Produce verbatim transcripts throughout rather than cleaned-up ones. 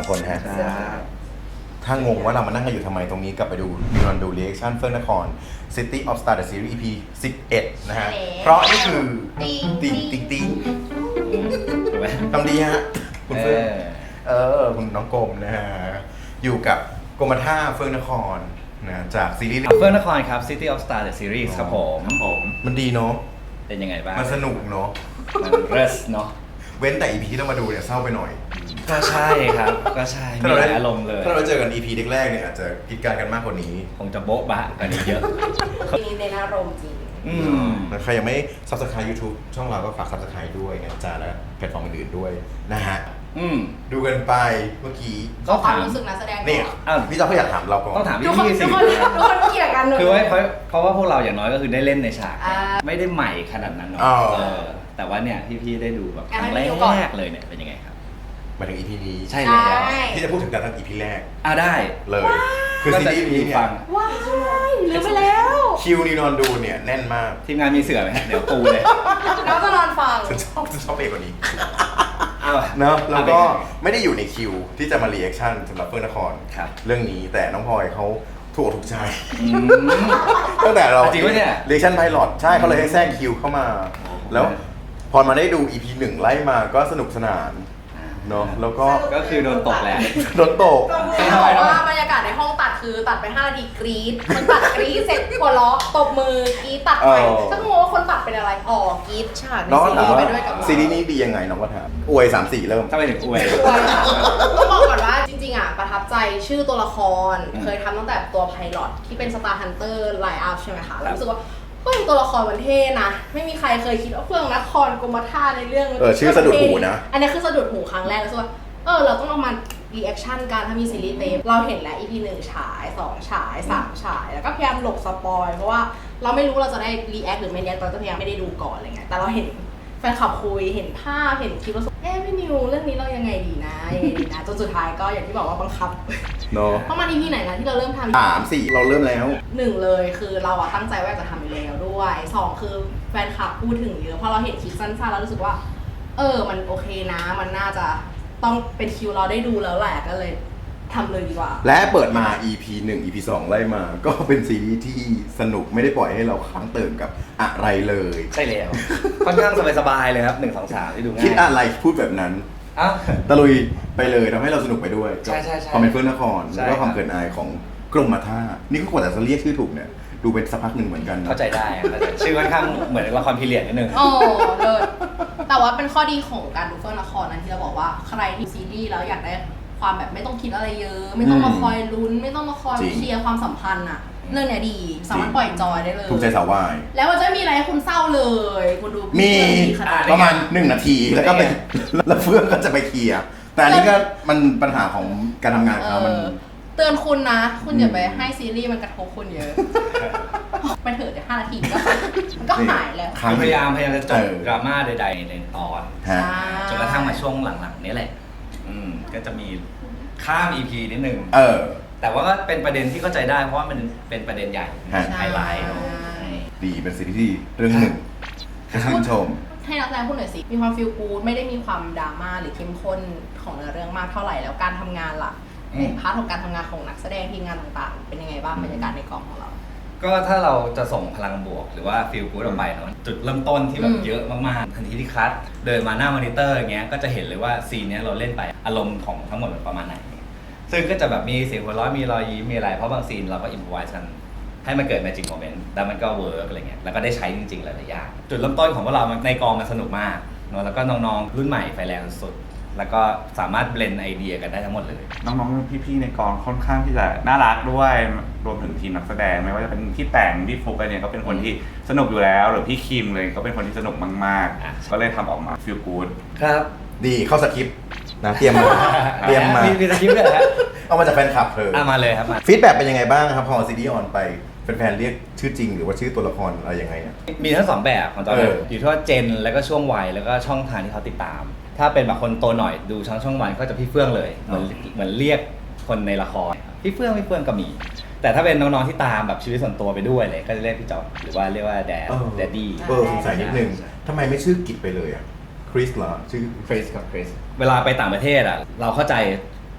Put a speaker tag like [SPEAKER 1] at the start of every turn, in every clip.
[SPEAKER 1] คนฮะถ้างงว่าเรามานั่งกันอยู่ทำไมตรงนี้กลับไปดูดูนดูรีแอคชั่นเฟื่องนคร City of Star The Series อี พี สิบเอ็ดนะฮะเพราะนี่คือติงติงติงติงทำดีฮะคุณเฟื่องเออคุณน้องกรมนะฮะอยู่กับกรมท่าเฟื่องนครนะจากซีรีส์
[SPEAKER 2] เฟื่องนครครับ City of Star The Series ครับผมครับผม
[SPEAKER 1] มันดีเนาะ
[SPEAKER 2] เป็นยังไงบ้าง
[SPEAKER 1] มันสนุกเนาะ
[SPEAKER 2] มันเรสเนาะ
[SPEAKER 1] เว้นแต่ อี พี ที่เรามาดูเนี่ยเศร้าไปหน่อย
[SPEAKER 2] ก็ใช่ครับก็ใช่มีหลายอารมณ์เลย
[SPEAKER 1] ถ้าเราเจอกัน อี พี แรกๆเนี่ยอาจจะกินการกันมากกว่านี้
[SPEAKER 2] คงจะโบ๊ะบะกันเยอะ
[SPEAKER 3] ทีนี้ในอารมณ์จริง
[SPEAKER 1] อืมใครยังไม่ Subscribe YouTube ช่องเราก็ฝาก Subscribe ด้วยนะจ๊ะแล้วแพลตฟอร์มอื่นๆด้วยนะฮะ
[SPEAKER 2] อืม
[SPEAKER 1] ดูกันไปเมื่อกี้
[SPEAKER 3] ก็ความรู้สึกนักแสดง
[SPEAKER 1] เนี่ยพี่จ๊อบก็อยากถามเราก่อน
[SPEAKER 2] ต้องถามพี่
[SPEAKER 3] พี่สิทุกคนทุกคนเกี่ยวกัน
[SPEAKER 2] คือว่าเพราะเพราะว่าพวกเราอย่างน้อยก็คือได้เล่นในฉากไม่ได้ใหม่ขนาดนั้นเนาะแต่ว่าเนี่ยพี่ๆได้ดูแบบครั้งแรกเลยเนี่ยเป็นยังไงครับ
[SPEAKER 1] มาถึง อี พี นี้
[SPEAKER 2] ใช่แล้ว
[SPEAKER 1] ที่จะพูดถึงการทั้ง อี พี แรก
[SPEAKER 2] อ่ะได้
[SPEAKER 1] เลยคือซีรีส์นี้เนี่ย
[SPEAKER 3] ว้ายลืมไปแล้ว
[SPEAKER 1] คิวนีนอนดูเนี่ยแน่นมาก
[SPEAKER 2] ทีมงานมีเสือไหมเดี๋ยวปูเลย
[SPEAKER 3] น้องจะนอนฟัง
[SPEAKER 1] ฉันชอบฉันชอบเอกกว่านี้เนาะแล้วก็ไม่ได้อยู่ในคิวที่จะมารีแอคชั่นสำหรับเฟื่องนครเรื่องนี้แต่น้องพลอยเขาถูกถูกใจตั้งแต่เรา
[SPEAKER 2] จริงปะเนี่ย
[SPEAKER 1] รีแอคชั่นไพลอตใช่เขาเลยให้แทรกคิวเข้ามาแล้วพอมาได้ดู อี พี หนึ่งไล่มาก็สนุกสนานเนาะแล้วก็
[SPEAKER 2] ก็คือโดนตกแหละ
[SPEAKER 1] โดนตก
[SPEAKER 3] เขาบอกว่าบรรยากาศในห้องตัดคือตัดไปห้านาทีกรี๊ดมันตัดกรี๊ดเสร็จหัวเราะตบมือกรี๊ดตัดไปถ้างงว่าคนตัดเป็นอะไรอ๋อกรี๊ดฉากในซีรีส์ไปด้วยกับ
[SPEAKER 1] ซีรีส์นี้ดียังไงน้องก็ถามอวยสามสี่เริ่ม
[SPEAKER 2] ถ้าไปถึงอวย
[SPEAKER 3] ต้องบอกก่อนว่าจริงๆอ่ะประทับใจชื่อตัวละครเคยทำตั้งแต่ตัวไพลอตที่เป็น Star Hunter Line Up ใช่ไหมคะรู้สึกว่าเฮ้ยตัวละครมันเท่นะไม่มีใครเคยคิดว่าเฟื่องนครกรมท่าในเรื่อง
[SPEAKER 1] เออชื่อสะดุดหูนะ
[SPEAKER 3] อันนี้คือสะดุดหูครั้งแรกแล้วว่าเออเราต้องเอามารีแอคชั่นกันถ้ามีซีรีส์เต็มเราเห็นแล้ว อี พี หนึ่งฉายสองฉายสามฉายแล้วก็พยายามหลบสปอยเพราะว่าเราไม่รู้เราจะได้รีแอคหรือไม่รีแอคเราจะพยายามไม่ได้ดูก่อนอะไรเงี้ยแต่เราเห็นแฟนคลับคุยเห็นภาพเห็นคลิปแล้วเอ๊ะพี่นิวเรื่องนี้เรายังไงดีนะยังไงดีนะจนสุดท้ายก็อย่างที่บอกว่าบังคับ
[SPEAKER 1] เนาะ
[SPEAKER 3] เพราะมัน อี พี ไหนนะที่เราเริ่มทำ
[SPEAKER 1] สามสี่เราเริ่มแล้ว
[SPEAKER 3] หนึ่งเลยคือเราอะตั้งใจว่าจะทำอยู่แล้วด้วยสองคือแฟนคลับพูดถึงเยอะพอเราเห็นคลิปสั้นๆแล้วรู้สึกว่าเออมันโอเคนะมันน่าจะต้องเป็นคิวเราได้ดูแล้วแหละก็เลยทำเลยดีกว่า
[SPEAKER 1] และเปิดมา อี พี หนึ่ง อี พี สองไล่มาก็เป็นซีรีส์ที่สนุกไม่ได้ปล่อยให้เราค้างเติมกับอะไรเลย
[SPEAKER 2] ใช่แล้วค่อนข้างสบายๆเลยครับหนึ่ง สอง สามที่ดูง่าย
[SPEAKER 1] คิดอะไรพูดแบบนั้น
[SPEAKER 2] อ่ะ
[SPEAKER 1] ตะลุยไปเลยทำให้เราสนุกไปด้วย
[SPEAKER 2] ใช่ใช่ใช่
[SPEAKER 1] ความเป็นเฟื่องนครแล้วก็ความเกินอายของกรมท่านี่ก็กว่าแต่จะเรียกชื่อถูกเนี่ยดูเป็นสักพักหนึ่งเหมือนกัน
[SPEAKER 2] เข้าใจได้ชื่อค่อนข้างเหมือนละครพีเรียดนิดนึง
[SPEAKER 3] โอ้เลยแต่ว่าเป็นข้อดีของการดูเฟื่องนครนั้นที่เราบอกว่าใครที่ซีรีส์แล้วอยากได้ความแบบไม่ต้องคิดอะไรเยอะไม่ต้องมาคอยลุ้นไม่ต้องมาคอยเคลียร์ความสัมพันธ์อะเรื่องเนี้ยดีสามารถปล่อยจอยได้เลย
[SPEAKER 1] ถูกใจสาววาย
[SPEAKER 3] แล้วมันจะมีอะไรให้คุณเศร้าเลยคุณดู
[SPEAKER 1] มีประมาณหนึ่งนาทีแล้วก็ไปแล้วเฟื่องก็จะไปเคลียร์แต่อันนี้ก็มันปัญหาของการทำงานเขามัน
[SPEAKER 3] เตือนคุณนะคุณอย่าไปให้ซีรีส์มันกระทบคุณเยอะไปเถอะเดี๋ยวห้านาทีก็มันก็หายแล้ว
[SPEAKER 2] พยายามพยายามจะจบดราม่าใดๆในตอนจนกระทั่งมาช่วงหลังๆนี้แหละก็จะมีข้าม อี พี นิดนึง
[SPEAKER 1] เออ
[SPEAKER 2] แต่ว่าก็เป็นประเด็นที่เข้าใจได้เพราะว่ามันเป็นประเด็นใหญ่ไฮไลท์เนาะ
[SPEAKER 1] ดีเป็นซีรีส์เรื่องหนึ่งชื่นชม
[SPEAKER 3] ให้นักแสดงพูดหน่อยสิมีความฟีลกู๊ดไม่ได้มีความดราม่าหรือเข้มข้นของเนื้อเรื่องมากเท่าไหร่แล้วการทำงานล่ะในพาร์ทของการทำงานของนักแสดงทีมงานต่างๆเป็นยังไงบ้างบรรยากาศในกองของเรา
[SPEAKER 2] ก็ถ้าเราจะส่งพลังบวกหรือว่าฟีลกู๊ดออกไปเนาะจุดเริ่มต้นที่แบบเยอะมากๆทันทีที่คัทเดินมาหน้ามอนิเตอร์อย่างเงี้ยก็จะเห็นเลยว่าซีนนี้เราเล่นไปอารมณ์ของทั้งหมดประมาณไหนซึ่งก็จะแบบมีเสียงหัวเราะมีรอยยิ้มมีอะไรเพราะบางซีนเราก็อิมพอไวส์กันให้มันเกิดแมจิกโมเมนต์แล้วมันก็เวิร์กอะไรเงี้ยแล้วก็ได้ใช้จริงๆหลายๆอย่างจุดเริ่มต้นของพวกเราในกองมันสนุกมากเนาะแล้วก็น้องๆรุ่นใหม่ไฟแรงสุดแล้วก็สามารถเบลนด์ไอเดียกันได้ทั้งหมดเลย
[SPEAKER 4] น้องๆพี่ๆในกองค่อนข้างที่จะน่ารักด้วยรวมถึงทีมนักแสดงไม่ว่าจะเป็นพี่แต่งพี่ฟุกอะไรเนี่ยก็เป็นคนที่สนุกอยู่แล้วหรือพี่คิมเลยก็เป็นคนที่สนุกมากๆก็เลยทำออกมาฟีลกู๊ด
[SPEAKER 2] ครับ
[SPEAKER 1] ดีเข้าสคริปต์นะเตรียมมาเตรียมมา
[SPEAKER 2] มีสคริปต์ด้วยฮะ
[SPEAKER 1] เอามาจากแฟนคลับเธอ
[SPEAKER 2] เอามาเลยครับ
[SPEAKER 1] ฟีดแบ็กเป็นยังไงบ้างครับพอซีรีส์ออนไปแฟนๆเรียกชื่อจริงหรือว่าชื่อตัวละครอะไรยังไงอ่ะ
[SPEAKER 2] มีทั้งสองแบบของตอนนี้อยู่ที่ว่าเจนแล้วก็ช่วงวัยแล้วก็ช่องทางที่เขาติดตามถ้าเป็นแบบคนโตหน่อยดูช่องช่องวันก็จะพี่เฟื่องเลยเหมือนเหมือนเรียกคนในละครพี่เฟื่องพี่เฟื่องก็มีแต่ถ้าเป็นน้องๆที่ตามแบบชีวิตส่วนตัวไปด้วยเลยก็จะเรียกพี่จอดหรือว่าเรียกว่าแดดแดดดี้
[SPEAKER 1] เออสงสัยนิดนึงทำไมไม่ชื่อกิจไปเลยอ่ะคริสเหรอชื่อ
[SPEAKER 2] คริสกับคริสเวลาไปต่างประเทศอ่ะเราเข้าใจ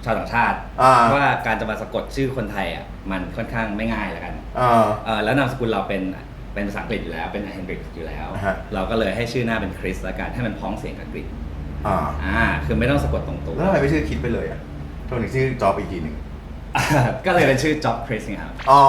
[SPEAKER 2] ชาวต่างชาติ
[SPEAKER 1] อ่า
[SPEAKER 2] ว่าการจะมาสะกดชื่อคนไทยอ่ะมันค่อนข้างไม่ง่ายแล้วกัน
[SPEAKER 1] อ่า
[SPEAKER 2] เออแล้วนามสกุลเราเป็นเป็นภาษาอังกฤษอยู่แล้วเป็นเฮนริกอยู่แล้ว
[SPEAKER 1] อ่าฮะ
[SPEAKER 2] เราก็เลยให้ชื่อหน้าเป็นคริสแล้วกันให้มันพ้องเสียงกับกรีก
[SPEAKER 1] อ่า
[SPEAKER 2] อ่าคือไม่ต้องสะกดตรงตัว
[SPEAKER 1] แล้วทำไมไม่ชื่อคิดไปเลยอ่ะทำไมถึงชื่อจอบอีกทีหนึ่ง
[SPEAKER 2] ก็เลยเป็นชื่อ Job Chris ไงครับ
[SPEAKER 1] อ๋อ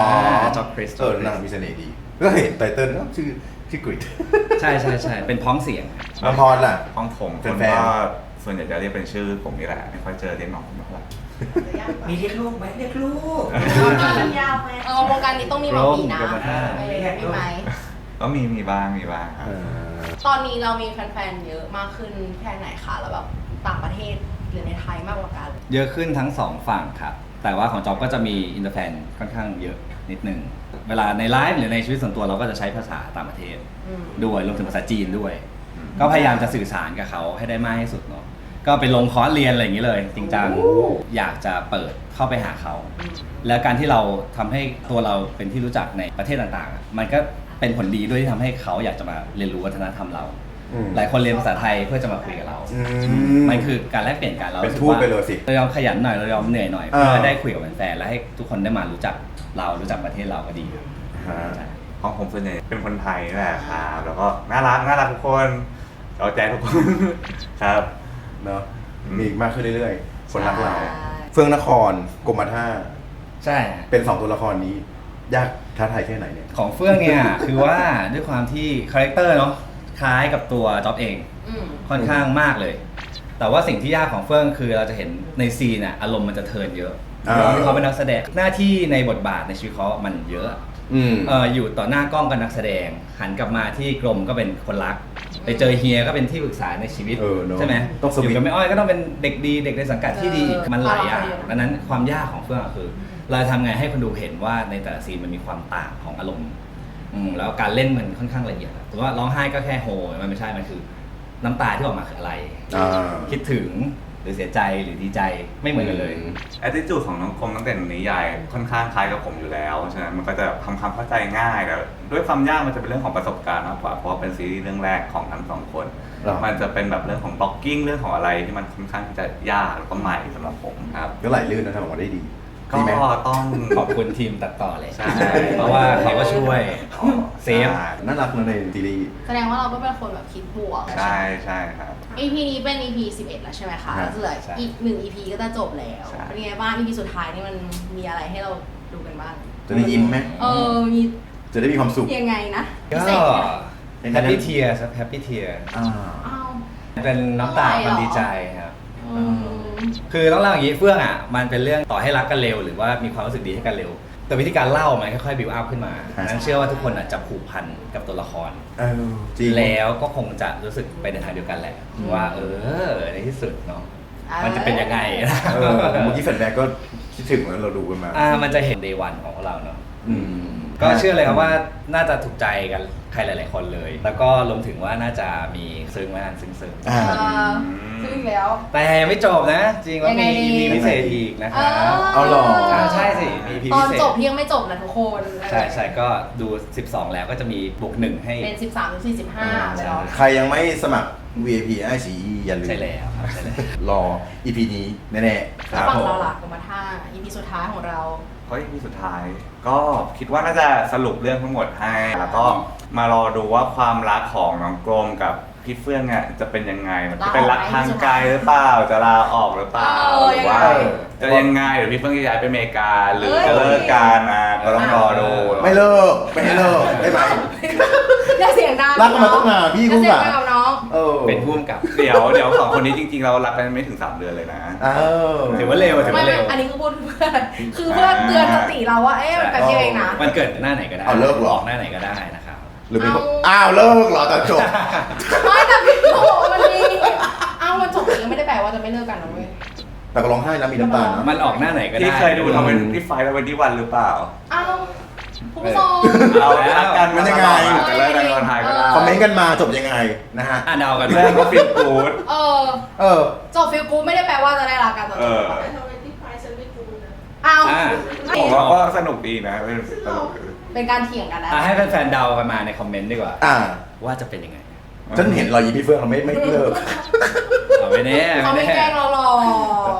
[SPEAKER 2] Job Chris
[SPEAKER 1] เออน่ามีเสน่ห์ดี ก็เห็นไตเติ้ลก็ชื่อชื่อกริด
[SPEAKER 2] ใช่ใช่ใช่เป็นพ้องเสียง
[SPEAKER 1] น้องพรล่ะ
[SPEAKER 4] ห้องผมคน
[SPEAKER 1] แฟนๆ
[SPEAKER 4] ก็ส่วนใหญ่จะเรียกเป็นชื่อผมนี่แหละไม่ค่อยเจอเรียกน้องเท่าไหร่
[SPEAKER 5] มีเรียกลูกไหมเรียกลูก
[SPEAKER 3] ยาวไหมเออวงการนี้ต้องมีหมอผีนะ
[SPEAKER 2] โรง
[SPEAKER 3] เออมีไหม
[SPEAKER 4] ก็มีมีบ้างมีบ้าง
[SPEAKER 1] เออ
[SPEAKER 3] ตอนนี้เรามีแฟนๆเยอะมากขึ้นแค่ไหนคะแล้วแบบต่างประเทศหรือในไทยมากกว่ากัน
[SPEAKER 2] เยอะขึ้นทั้งสองฝั่งครับ แต่ว่าของจอบก็จะมีอินเตอร์แฟนค่อนข้างเยอะนิดนึง เวลาในไลฟ์หรือในชีวิตส่วนตัวเราก็จะใช้ภาษาต่างประเทศ
[SPEAKER 3] อืม
[SPEAKER 2] ด้วยรวมถึงภาษาจีนด้วย ก็พยายามจะสื่อสารกับเขาให้ได้มากที่สุดเนาะก็ไปลงคอร์สเรียนอะไรอย่างนี้เลย จริงจังอยากจะเปิดเข้าไปหาเขา แล้วการที่เราทำให้ตัวเราเป็นที่รู้จักในประเทศต่างๆอ่ะมันก็เป็นผลดีด้วยที่ทำให้เขาอยากจะมาเรียนรู้วัฒนธรรมเรา
[SPEAKER 1] อืม
[SPEAKER 2] หลายคนเรียนภาษาไทยเพื่อจะมาคุยกับเรา
[SPEAKER 1] อืม
[SPEAKER 2] มันคือการแลกเปลี่ยนกันเรา
[SPEAKER 1] เป็น
[SPEAKER 2] รู้สึก
[SPEAKER 1] ทูต
[SPEAKER 2] ว่า
[SPEAKER 1] ไปเลยสิ
[SPEAKER 2] เรายอมขยันหน่อยเรายอมเหนื่อยหน่อย
[SPEAKER 1] อ่า
[SPEAKER 2] เพื่อได้คุยกับแฟนๆและให้ทุกคนได้มารู้จักเรารู้จักประเทศเราก็ดี
[SPEAKER 1] ฮะ
[SPEAKER 2] ใช่
[SPEAKER 4] ห้องผมส่วนใหญ่เป็นคนไทยนี่แหละครับแล้วก็น่ารักน่ารักทุกคนเอาใจทุกคน ครับ
[SPEAKER 1] เนาะมีอีกมากขึ้นเรื่อยๆ คนรักเรา
[SPEAKER 3] ใช่
[SPEAKER 1] เฟื่องนครกรมท่า
[SPEAKER 2] ใช่
[SPEAKER 1] เป็นสองตัวละครนี้ ยากท้าทายแค่ไหนเนี่ย
[SPEAKER 2] ของเฟื่องเนี่ย คือว่าด้วยความที่คาแรคเตอร์เนาะคล้ายกับตัวจ๊อบเอง
[SPEAKER 3] อืม
[SPEAKER 2] ค่อนข้างมากเลย แต่ว่าสิ่งที่ยากของเฟื่องคือเราจะเห็นในซีนอะอารมณ์มันจะเทิร์นเยอะ
[SPEAKER 1] อ่า
[SPEAKER 2] เพราะที่เขาเป็นนักแสดงหน้าที่ในบทบาทในชีวิตเขามันเยอะ
[SPEAKER 1] อืม
[SPEAKER 2] เอออยู่ต่อหน้ากล้องกับนักแสดง หันกลับมาที่กรมก็เป็นคนรัก ไปเจอเฮียก็เป็นที่ปรึกษาในชีวิต
[SPEAKER 1] เออเนอะ
[SPEAKER 2] ใช่ไหม
[SPEAKER 1] ต้องสวิตช์
[SPEAKER 2] อยู่กับแม่อ้อยก็ต้องเป็นเด็กดีเด็กในสังกัดที่ดี
[SPEAKER 3] เออ
[SPEAKER 2] มันหลายอย่าง
[SPEAKER 3] เออ
[SPEAKER 2] ดังนั้นความยากของเฟื่องอะคือ เราจะทำไงให้คนดูเห็นว่าในแต่ละซีนมันมีความต่างของอารมณ์อืมแล้วการเล่นมันค่อนข้างละเอียดถือว่าร้องไห้ก็แค่โฮมันไม่ใช่มันคือ น้ำตาที่ออกมาคืออะไร
[SPEAKER 1] อ่า
[SPEAKER 2] คิดถึงหรือเสียใจหรือดีใจไม่เหมือนกันเลย
[SPEAKER 4] แอตติจูดของน้องคมตั้งแต่นิยายค่อนข้างคล้ายกับผมอยู่แล้วฉะนั้นมันก็จะทำความเข้าใจง่ายแต่ด้วยความยากมันจะเป็นเรื่องของประสบการณ์มากกว่าเพราะว่าเป็นซีรีส์เรื่องแรกของทั้งสองคน
[SPEAKER 1] หรอ
[SPEAKER 4] มันจะเป็นแบบเรื่องของบล็อกกิ้งเรื่องของอะไรที่มันค่อนข้างที่จะยากแล้วก็ใหม่สำหรับผมครับ
[SPEAKER 1] ก็ไหลลื่นนะทำออกมาได้ดี
[SPEAKER 4] ก็
[SPEAKER 1] ดีไหม
[SPEAKER 4] ต้อง
[SPEAKER 2] ขอบคุณทีมตัดต่อเลย
[SPEAKER 4] ใช่
[SPEAKER 2] เพราะว่าเขาก็ช่วย เซฟ
[SPEAKER 1] น่ารักนะในซีรีส์
[SPEAKER 3] แสดงว่าเราก็เป็นคนแบบคิดบวก
[SPEAKER 4] ใช่ใช่ครับ
[SPEAKER 3] อี พี นี้เป็น อี พี สิบเอ็ดแล้วใช่ไหมคะ
[SPEAKER 1] ครับ
[SPEAKER 3] เหลือ
[SPEAKER 2] ใช่
[SPEAKER 3] อีกหนึ่ง อี พี ก็จะจบแล้ว
[SPEAKER 4] ใช่
[SPEAKER 3] เป็นไงบ้าง อี พี สุดท้ายนี่มันมีอะไรให้เราดูกันบ้าง
[SPEAKER 1] จะได้ยิ้มไหม
[SPEAKER 3] เออ มี
[SPEAKER 1] จะได้มีความสุข
[SPEAKER 3] ยังไงนะ
[SPEAKER 2] ก็
[SPEAKER 3] พิเศษไหม
[SPEAKER 2] แฮปปี้เทียร์ครับแฮปปี้เทียร์
[SPEAKER 1] อ่า
[SPEAKER 3] อ้าว
[SPEAKER 2] เป็นน้ำตาความดีใจครับ
[SPEAKER 3] อืม
[SPEAKER 2] คือต้องเล่าอย่างนี้เฟื่องอ่ะมันเป็นเรื่องต่อให้รักกันเร็วหรือว่ามีความรู้สึกดีให้กันเร็ว แต่วิธีการเล่ามันค่อยๆบิวอัพขึ้นมา
[SPEAKER 1] ครับ
[SPEAKER 2] นั้นเชื่อว่าทุกคนอ่ะจะผูกพันกับตัวละคร
[SPEAKER 1] เออจริง
[SPEAKER 2] แล้วก็คงจะรู้สึกไปในทางเดียวกันแหละ ว่าเออในที่สุดเนาะ
[SPEAKER 3] เออ
[SPEAKER 2] มันจะเป็นยังไงนะ
[SPEAKER 1] เออเมื่อกี้แฟนๆก็คิดถึงเหมือนเราดูกันมา
[SPEAKER 2] อ่ามันจะเห็นเดวันของพวกเราเนาะ
[SPEAKER 1] อืม
[SPEAKER 2] ก็เชื่อเลยครับว่าน่าจะถูกใจกันใครหลาย ๆ คนเลย แล้วก็รวมถึงว่าน่าจะมีซึ้งมากซึ้งซึ้ง
[SPEAKER 1] อ่า
[SPEAKER 3] เออซึ่งอีกแล้ว
[SPEAKER 2] แต่ยังไม่จบนะ จริงแล้ว
[SPEAKER 3] ยังไง
[SPEAKER 2] มี
[SPEAKER 3] ดี
[SPEAKER 2] มีพิเศษอีกนะครับ
[SPEAKER 1] เอาหรอ
[SPEAKER 2] อ่าใช่สิมีพี
[SPEAKER 3] ตอ
[SPEAKER 2] พิ
[SPEAKER 3] น
[SPEAKER 2] เศษ
[SPEAKER 3] จบยังไม่จบนะทุกคน
[SPEAKER 2] ใช่ใช่ก็ดู สิบสอง แล้วก็จะมีบวกหนึ่งให้
[SPEAKER 3] เป็น สิบสามถึงสี่สิบห้า
[SPEAKER 2] ใช่
[SPEAKER 3] แล้ว
[SPEAKER 1] ใครยังไม่สมัคร วี ไอ พี ไอ ซี อี อย่าลืม
[SPEAKER 2] ใช่แล้วครับใช่แล้ว
[SPEAKER 1] รอ อี พี นี้แน่ๆ
[SPEAKER 3] แล้วฝั่งเราหลักกรมท่า อี พี สุดท้ายของเรา
[SPEAKER 4] ก็อีพีสุดท้าย ก็คิดว่าน่าจะสรุปเรื่องทั้งหมดให้แล้วก็มารอดูว่าความรักของน้องกรมกับพี่เฟื่องเนี่ยจะเป็นยังไงมันจะเป็นรักทางไกลหรือเปล่าจะลาออกหรือเปล่า
[SPEAKER 3] เออ
[SPEAKER 4] หรือว่า
[SPEAKER 3] ยังไง
[SPEAKER 4] จะยังไงหรือพี่เฟื่องจะย้ายไปอเมริกาหรือ
[SPEAKER 3] เอ้ย
[SPEAKER 4] จะเลิกกันอ่ะก็ต้องรอดู
[SPEAKER 1] ไม่เลิก ไม่ให้เลิก ได้ไหม
[SPEAKER 3] อย่าเสียงดัง
[SPEAKER 1] รักกันมาตั้งนานพี่
[SPEAKER 3] อย่าเสียง
[SPEAKER 1] กู
[SPEAKER 3] ดั
[SPEAKER 1] อะ
[SPEAKER 3] งกับน้อง
[SPEAKER 1] เออ
[SPEAKER 2] เป็นผู้กำกับ
[SPEAKER 4] เดี๋ยวเดี๋ยวสองคนนี้จริงๆเรารักกันไม่ถึงสามเดือนเลยนะ
[SPEAKER 1] เออ
[SPEAKER 2] ถือว่าเร็วถือ
[SPEAKER 3] ไม่
[SPEAKER 2] ว่า
[SPEAKER 3] ไม่
[SPEAKER 2] เร็ว
[SPEAKER 3] อันนี้คือพูดเพื่อคือเพื่อเตือนสติเราว่า เอ๊ะมันแบบนี้เองนะ
[SPEAKER 2] มันเกิดหน้าไหนก็ได้
[SPEAKER 1] เอาเลิกเหรอ
[SPEAKER 2] ออกหน้าไหนก็ได้นะครับ
[SPEAKER 1] หรือเป็นคน
[SPEAKER 3] เอา
[SPEAKER 1] อ้าวเลิกเหรอตอนจบ
[SPEAKER 3] ไม่แต่พี่โตมันมีเอ้ามันจบอย่างนี้ไม่ได้แปลว่าจะไม่เลิกกันนะเว้ย
[SPEAKER 1] แต่ก็ร้องไห้นะมีน้ำตานะ
[SPEAKER 2] มันออกหน้าไหนก็ได้
[SPEAKER 4] ที่เคยดูทำเป็นที่ไฟแล้ววันที่วันหรือเปล่า
[SPEAKER 3] เอ้าคุณผู้ชม
[SPEAKER 4] เอารักกัน
[SPEAKER 1] มันยังไง
[SPEAKER 4] แต่เลิกกันตอนท้ายก็ได้
[SPEAKER 1] คอมเมนต์กันมาจบยังไงนะฮะ
[SPEAKER 2] อ่ะเดากัน
[SPEAKER 4] เรื่องก็ฟิลกูด
[SPEAKER 3] เออ
[SPEAKER 1] เออ
[SPEAKER 3] จบฟิลกูไม่ได้แปลว่าจะได้รักกันตอน
[SPEAKER 4] เอ
[SPEAKER 3] จ
[SPEAKER 4] อ
[SPEAKER 3] บเอ้า
[SPEAKER 2] อ่ะ
[SPEAKER 4] ผมว่าก็สนุกดีนะเป็นสนุกดี
[SPEAKER 3] เป็นการเถียงกันนะ
[SPEAKER 2] อ่ะให้แฟนๆเดากันมาในคอมเมนต์ดีกว่า
[SPEAKER 1] อ่า
[SPEAKER 2] ว่าจะเป็นยังไง
[SPEAKER 1] ฉันเห็นรอยยิ้มพี่เฟื่องเขาไม่ไม่เลิก
[SPEAKER 2] เอาไม่แน่
[SPEAKER 3] เขาไม่
[SPEAKER 2] ไม่
[SPEAKER 3] แกล้
[SPEAKER 2] แน่
[SPEAKER 3] งเราหรอก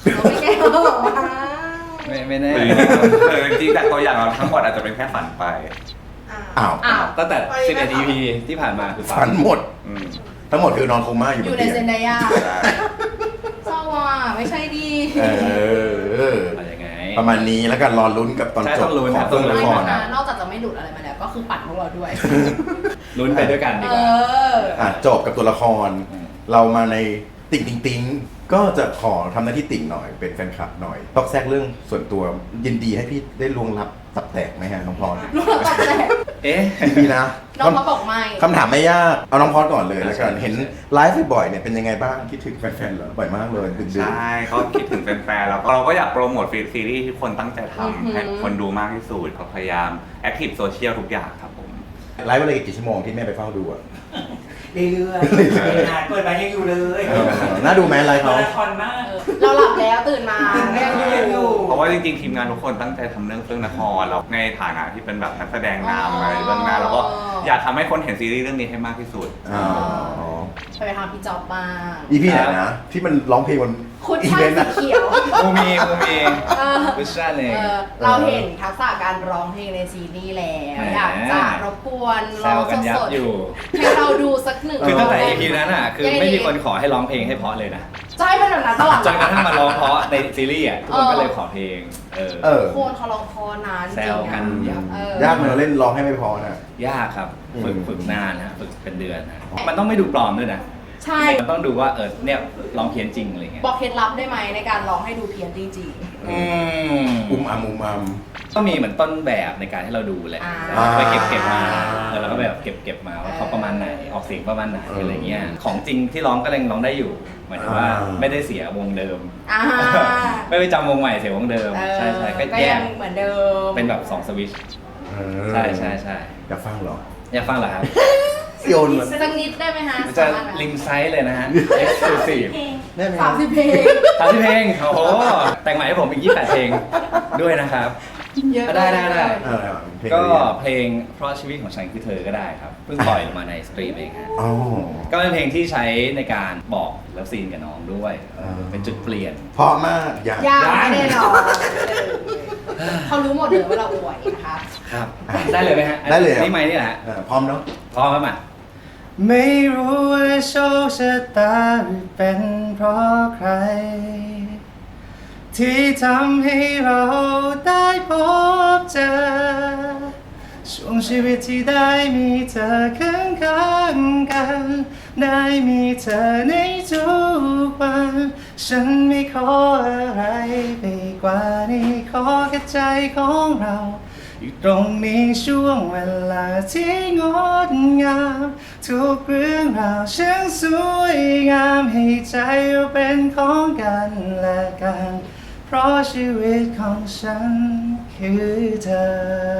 [SPEAKER 3] เราไม่แก้เราหรอกวะ
[SPEAKER 2] ไม่ไม่แน่
[SPEAKER 4] เออจริงๆแต่ตัวอย่างเราทั้งหมดอาจจะเป็นแค่ฝันไป
[SPEAKER 1] อ้าว
[SPEAKER 3] อ้าว
[SPEAKER 2] ตั้งแต่สิบเอ็ด อี พี ที่ผ่านมาคือ
[SPEAKER 1] ฝันหมด
[SPEAKER 4] อืม
[SPEAKER 1] ทั้งหมดคือนอนโคม่าอยู่
[SPEAKER 3] อบ ยู่
[SPEAKER 1] น
[SPEAKER 3] ใน
[SPEAKER 1] เตีย
[SPEAKER 3] เซน
[SPEAKER 1] ง
[SPEAKER 3] ไดยา
[SPEAKER 4] ใช่
[SPEAKER 3] เศร้าว่ะไม่ใช่ดี
[SPEAKER 1] เออ
[SPEAKER 2] อะไรยังไง
[SPEAKER 1] ประมาณนี้แล้วกันรอลุ้นกับตอน
[SPEAKER 2] ใช่
[SPEAKER 1] จ
[SPEAKER 2] ต้
[SPEAKER 1] บ
[SPEAKER 2] องลุ้น
[SPEAKER 1] ข
[SPEAKER 2] ครั
[SPEAKER 1] อง
[SPEAKER 2] บ
[SPEAKER 1] เฟื่องน
[SPEAKER 3] ไม่
[SPEAKER 1] คร
[SPEAKER 3] นะ
[SPEAKER 1] นะ
[SPEAKER 3] นอกจากจะไม่หลุดอะไรมาแล้ว ก็คือปัดพวกเราด้วย
[SPEAKER 2] ลุ้นไปด้วยกันดี
[SPEAKER 3] เอก
[SPEAKER 2] ว่า
[SPEAKER 3] อ
[SPEAKER 1] อ่ะจบกับตัวละคร
[SPEAKER 2] อืม
[SPEAKER 1] เรามาในติ่งติงติงก็จะขอทำหน้าที่ติ่งหน่อยเป็นแฟนคลับหน่อยต้องแทรกเรื่องส่วนตัวยินดีให้พี่ได้ลวงลับตับแตกไหมฮะน้องพร
[SPEAKER 3] รู้แล้วตัดแตก
[SPEAKER 2] เอ๊ะ
[SPEAKER 1] ดีนะ
[SPEAKER 3] น้องเขาบอกไม่
[SPEAKER 1] คำถามไม่ยากเอาน้องพรก่อนเลยแล้วกัน
[SPEAKER 2] ใช่
[SPEAKER 1] เห็นไลฟ์บ่อยๆเนี่ยเป็นยังไงบ้างคิดถึงแฟนๆเหรอบ่อยมากเลยดึก
[SPEAKER 4] ใช่ก็คิดถึงแฟนๆแล้วก็เราก็อยากโปรโมทฟรีซีรีส์ที่คนตั้งใจ
[SPEAKER 3] อือหือ
[SPEAKER 4] ทำให้คนดูมากที่สุดเราพยายามแอคทีฟโซเชียลทุกอย่างครับผม
[SPEAKER 1] ๆไลฟ์วันละกี่ชั่วโมงที่แม่ไปเฝ้าดูอ่ะ
[SPEAKER 5] เรื่อยๆเปิดมายังอยู่เลย
[SPEAKER 1] เออน่าดูไหมไลฟ์
[SPEAKER 5] มา
[SPEAKER 1] เขา
[SPEAKER 5] ราธอนมาก
[SPEAKER 3] เราหลับแล้วตื่นมา
[SPEAKER 5] ยังอยู่
[SPEAKER 4] เพราะว่าจริงๆทีมงานทุกคนตั้งใจทำเรื่องเฟื่องนครแล้วในฐานะที่เป็นแบบนักแสดงนำอะไรเบื้องหน้าแล้วก็อยากทำให้คนเห็นซีรีส์เรื่องนี้ให้มากที่สุด
[SPEAKER 1] อ๋อ
[SPEAKER 3] ไปไปทำพี่จอบบ้าง
[SPEAKER 1] อีพี่ไหนนะที่มันร้องเพลงบน
[SPEAKER 3] คุณ
[SPEAKER 1] อี
[SPEAKER 3] ช่า
[SPEAKER 1] เว
[SPEAKER 3] ง
[SPEAKER 1] นต์
[SPEAKER 3] สี
[SPEAKER 1] อะ
[SPEAKER 3] เขียว
[SPEAKER 2] มูมีมูมี
[SPEAKER 3] เออ
[SPEAKER 2] วิชาเอง
[SPEAKER 3] เออเราเห็นทักษะการร้องเพลงในซีรีส์แล้ว
[SPEAKER 2] แหม
[SPEAKER 3] อยากจะรบกวน
[SPEAKER 2] แซ
[SPEAKER 3] ร้อง
[SPEAKER 2] วกันยับ
[SPEAKER 3] สด
[SPEAKER 2] อยู่
[SPEAKER 3] ๆให้เราดูสักหนึ่ง
[SPEAKER 2] คือตั้งแต่
[SPEAKER 3] ร
[SPEAKER 2] อี
[SPEAKER 3] บ
[SPEAKER 2] พีนั้นอ่ะ คือ
[SPEAKER 3] ยังไง
[SPEAKER 2] ไม่มี
[SPEAKER 3] ดี
[SPEAKER 2] คนขอให้ร้องเพลงให้เพราะเลยนะ
[SPEAKER 3] จะให้เป็นแบบนั้นตลอด
[SPEAKER 2] จนกระทั่งมาร้องเพราะในซีรีส์อ่ะ ทุกคนก็เลยขอเพลง เออ
[SPEAKER 1] เออ
[SPEAKER 3] โคนเขาร้องเพอนาน
[SPEAKER 2] แซวกันยับ
[SPEAKER 3] เออย
[SPEAKER 1] ากไหมเราเล่นร้องให้ไม่พอนะ
[SPEAKER 2] ยากครับ ฝึก
[SPEAKER 1] อืม
[SPEAKER 2] ฝึกนานนะฝึกเป็นเดือนนะมันต้องไม่ดูปลอมด้วยนะ
[SPEAKER 3] ใช่
[SPEAKER 2] มันต้องดูว่าเออเนี่ยร้องเพี้ยนจริงอะไรเงี้ย
[SPEAKER 3] บอกเคล็ดลับได้ไหมในการร้องให้ดูเพี้ยนจริง
[SPEAKER 2] อืม
[SPEAKER 1] อุ้มอัมอุ้มอัม
[SPEAKER 2] ก็มีเหมือนต้นแบบในการให้เราดูแหละ
[SPEAKER 3] อ่า
[SPEAKER 2] ไปเก็บเก็บมาเออแล้วก็แบบเก็บเก็บมาว่าเขาประมาณไหนออกเสียงประมาณไหนอะไรเงี้ยของจริงที่ร้องก็ยังร้องได้อยู่หมายถึงว่าไม่ได้เสียวงเดิม
[SPEAKER 3] ๆอ่า
[SPEAKER 2] ไม่ไปจำวงใหม่เสียวงเดิม
[SPEAKER 3] เออ
[SPEAKER 2] ใช่ใช่ก็
[SPEAKER 3] ก็
[SPEAKER 2] แย
[SPEAKER 3] ยั
[SPEAKER 2] ก
[SPEAKER 3] งเหมือนเดิม
[SPEAKER 2] เป็นแบบสองสวิตช์
[SPEAKER 1] เออ
[SPEAKER 2] ใช่ใช่ใช่
[SPEAKER 1] อยากฟังเหรอ
[SPEAKER 2] อยากฟังเหรอครับ
[SPEAKER 1] โยนเหรอ
[SPEAKER 3] สักนิดได้ไหมฮะ
[SPEAKER 2] จะ
[SPEAKER 3] สามารถไหม
[SPEAKER 2] ลิงไซส์เลยนะฮะ exclusive
[SPEAKER 1] ได้ไหม
[SPEAKER 3] สามสิบเพลง
[SPEAKER 2] สามสิบเพลงโอ้โหแต่งใหม่ให้ผมอีกยี่สิบแปดเพลงด้วยนะครับ
[SPEAKER 3] เยอะ
[SPEAKER 2] ได้ได้ได้
[SPEAKER 1] เออเพลง
[SPEAKER 2] ก็
[SPEAKER 1] อะไรอ่ะ
[SPEAKER 2] เพลงเพราะชีวิตของฉันคือเธอก็ได้ครับเพิ่งปล่อยออกมาในสตรีมเองฮะ
[SPEAKER 1] อ๋อ
[SPEAKER 2] ก็เป็นเพลงที่ใช้ในการบอกเลิฟซีนกับน้องด้วย
[SPEAKER 1] อ่า
[SPEAKER 2] เป็นจุดเปลี่ยน
[SPEAKER 1] เพราะมากอยาก
[SPEAKER 3] ยากแน่นอนเออเขารู้หมดเลยว่าเราอวยนะคะ
[SPEAKER 2] ครับ ได้เลยไหมฮะ
[SPEAKER 1] ได้เลยครับ
[SPEAKER 2] นี่ไหมนี่แหละฮะ
[SPEAKER 1] เออพร้อมเนาะ
[SPEAKER 2] พร้อมครับมาไม่รู้ว่าโชคชะตาหรือเป็นเพราะใคร ที่ทำให้เราได้พบเจอ ช่วงชีวิตที่ได้มีเธอข้างข้างๆกัน ได้มีเธอในทุกวัน ฉันไม่ขออะไรไปกว่านี้ขอแค่ใจของเรา อยู่ตรงนี้ช่วงเวลาที่งดงามทุกเรื่องราวช่างสวยงามให้ใจเราเป็นของกันและกัน เพราะชีวิตของฉันคือเธอ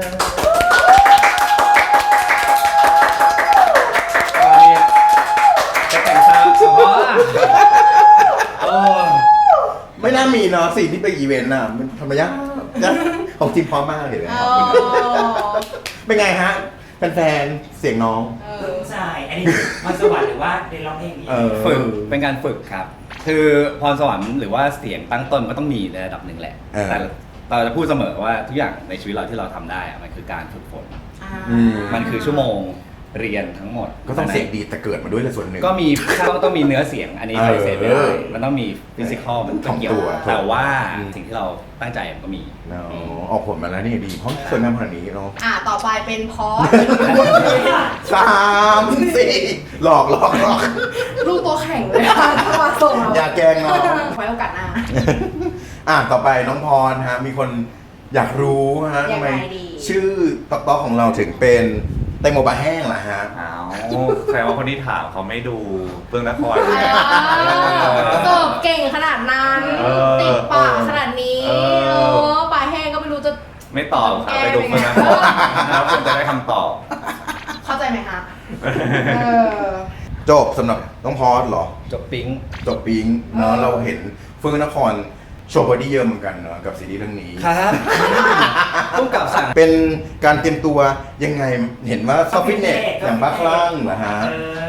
[SPEAKER 2] จะแต่งซาวด์เฉพาะโอ้
[SPEAKER 1] ไม่น่ามีเนาะสิ่งที่ไปอีเวนต์น่ะมันทำไมยากยากของจริงพร้อมมากเลยนะ
[SPEAKER 3] อ๋อ
[SPEAKER 1] เป็นไงฮะแฟนๆเสียงน้อง
[SPEAKER 3] เอ
[SPEAKER 5] เพิ่
[SPEAKER 3] อง
[SPEAKER 5] ใช่อันนี้มันสวรรค์หรือว่าเรียนร้องเพลงนี้
[SPEAKER 1] เออ
[SPEAKER 2] ฝึกเป็นการฝึกครับ คือพรสวรรค์หรือว่าเสียงตั้งต้นก็ต้องมีในระดับหนึ่งแหละ
[SPEAKER 1] เออ
[SPEAKER 2] แต่เราจะพูดเสมอว่าทุกอย่างในชีวิตเราที่เราทำได้อะมันคือการฝึกฝน
[SPEAKER 3] อ่า
[SPEAKER 1] อืม
[SPEAKER 2] มันคือชั่วโมงเรียนทั้งหมด
[SPEAKER 1] ก็ต้องเสียงดีแต่เกิดมาด้วยเลยส่วนหนึ่ง
[SPEAKER 2] ก็มีต้องต้องมีเนื้อเสียงอันนี้
[SPEAKER 1] เออ
[SPEAKER 2] ปฏิเสธไม่ได้มันต้องมีฟิสิกอลมันต้องเกี่ยว
[SPEAKER 1] ถ่อมตัว
[SPEAKER 2] แต่ว่า
[SPEAKER 1] อืม
[SPEAKER 2] สิ่งที่เราตั้งใจมันก็มี
[SPEAKER 1] เนาะออกผลมาแล้วนี่ดีเพราะสวยงามขนาดนี้เนาะ
[SPEAKER 3] อ่าต่อไปเป็นพอส
[SPEAKER 1] สามสี่หลอกหลอกหลอก
[SPEAKER 3] ลูกตัวแข็งเลยค่ะถ้ามาส่งเรา
[SPEAKER 1] อย่าแกล้งน้อง
[SPEAKER 3] ไว้โอกาสหน้า
[SPEAKER 1] อ่ะต่อไปน้องพรฮะมีคนอยากรู้ฮะ
[SPEAKER 3] ยั
[SPEAKER 1] ทำ
[SPEAKER 3] ง
[SPEAKER 1] ไม
[SPEAKER 3] ไงดี
[SPEAKER 1] ชื่อต๊อกต๊อกของเราถึงเป็นแตงโมบะแห้งล่ะฮะ
[SPEAKER 4] อ้าวแสดงว่าคนที่ถามเขาไม่ดูเฟื่องนคร
[SPEAKER 3] อ่า
[SPEAKER 4] เลย
[SPEAKER 3] เสิร์ฟเก่งขนาดนั้น
[SPEAKER 4] เออ
[SPEAKER 3] ติดปากขนาดนี้
[SPEAKER 4] เอ
[SPEAKER 3] เอ
[SPEAKER 4] อ
[SPEAKER 3] อปลาแห้งก็ไม่รู้จะ
[SPEAKER 4] ไม่ตอบครับไปดูเฟื่องนครแล้วคุณจะได้คำตอบ
[SPEAKER 3] เข้าใจไหมคะเออ
[SPEAKER 1] จบสำหรับน้องพรเหรอ
[SPEAKER 2] จบปิ๊ง
[SPEAKER 1] จบปิงเนาะ
[SPEAKER 3] เออ
[SPEAKER 1] เราเห็นเฟื่องนครโชว์บอดี้เยอะเหมือนกันเนาะกับซีรีส์เรื่องนี้
[SPEAKER 2] ครับต้องกลับสั่ง
[SPEAKER 1] เป็นการเตรียมตัวยังไงเห็นว่าซอฟต์ฟิตเนสอย่างบ้าคลั่งเหรอฮะ
[SPEAKER 5] เออ